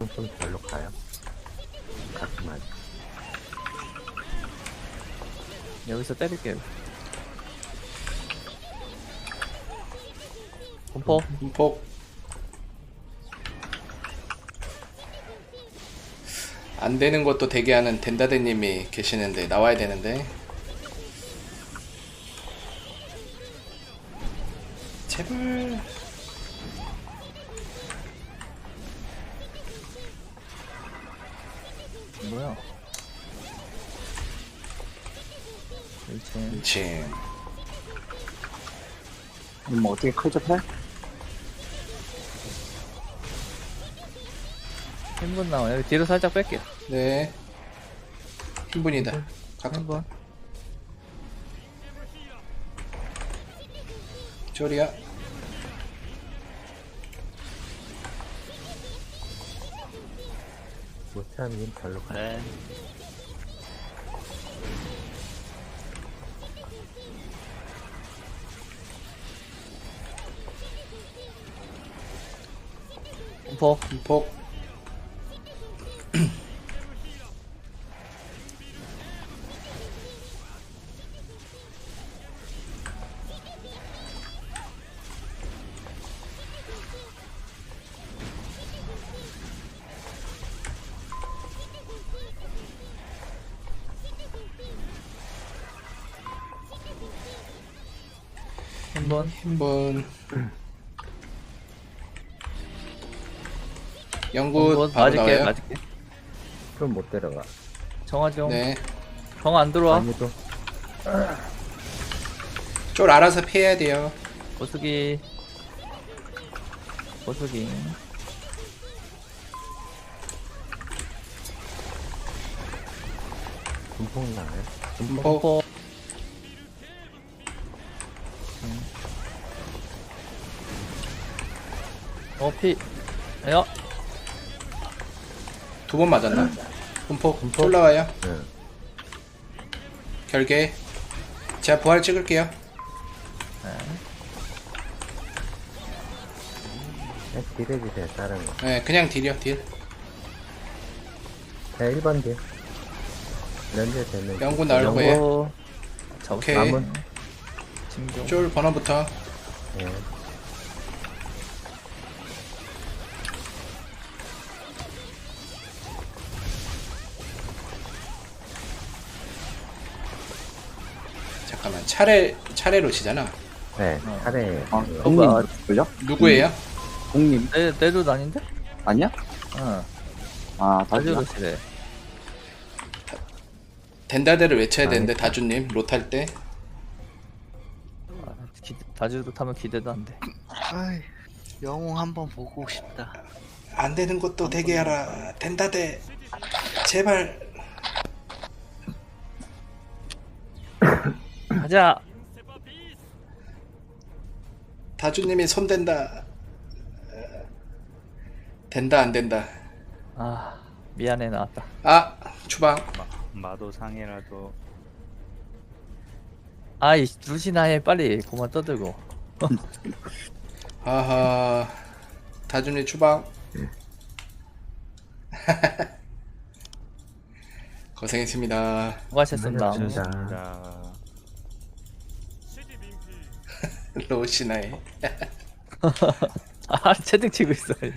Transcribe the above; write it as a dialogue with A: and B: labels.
A: 좀 별로 가요. 가끔 하죠.
B: 여기서 때릴게요. 공포.
C: 분폭. 안 되는 것도 대기하는 덴다데님이 계시는데 나와야 되는데. 제발.
B: 뭐야? 1층.
C: 그렇지.
D: 뭐 어떻게 클접해?
B: 흰분 나와요. 여기 뒤로 살짝 뺄게요.
C: 네. 흰분이다. 가깝다.
B: 흰분.
C: 쪼리야.
A: 못하면 별로 가요.
B: 네. 공포.
C: 분폭.
B: 흰분.
C: 흰분. 영굿
B: 흰분.
C: 바로
B: 맞을게.
C: 나와요.
B: 맞을게.
A: 좀 못 데려가.
B: 정하죠.
C: 네.
B: 정 안 들어와.
A: 아무도
C: 쫄 알아서 피해야 돼요.
B: 보수기. 보수기.
A: 분폭 나와요.
C: 분폭.
B: 공포. 피. 야.
C: 두 번 맞았나? 분폭. 쫄 나와요.
A: 네.
C: 결계. 제가 부활 찍을게요.
A: 그냥 딜해주세요, 다른 거.
C: 네, 그냥 딜이요, 딜.
A: 자, 1번 딜. 렌즈 되는.
C: 영구 나올 거예요.
B: 영고.
C: 오케이.
A: 남은.
B: 진정.
C: 쫄 번호부터.
A: 예.
C: 잠깐만, 차례로 치잖아.
A: 네, 차례.
D: 아,
A: 예.
D: 공님
B: 아,
D: 걸려?
C: 누구예요?
D: 공님
B: 내 돈 아닌데?
D: 아니야?
B: 응.
D: 아, 다주야.
B: 다주로시래.
C: 덴다데를 외쳐야 되는데, 다주님, 롯할 때.
B: 다주도 타면 기대도 안 돼.
E: 아이, 영웅 한번 보고 싶다.
C: 안 되는 것도 되게 하라. 덴다데. 제발.
B: 가자.
C: 다주님이 손댄다. 된다, 안 된다.
B: 아, 미안해 나왔다.
C: 아, 추방.
F: 마도 상해라도
B: 아이 루시나해 빨리 그만 떠들고.
C: 아하. 다주님 추방. 고생했습니다.
B: 수고하셨습니다.
A: 수고하셨습니다.
F: 자
C: 로시나에.
B: 아 채팅 치고 있어.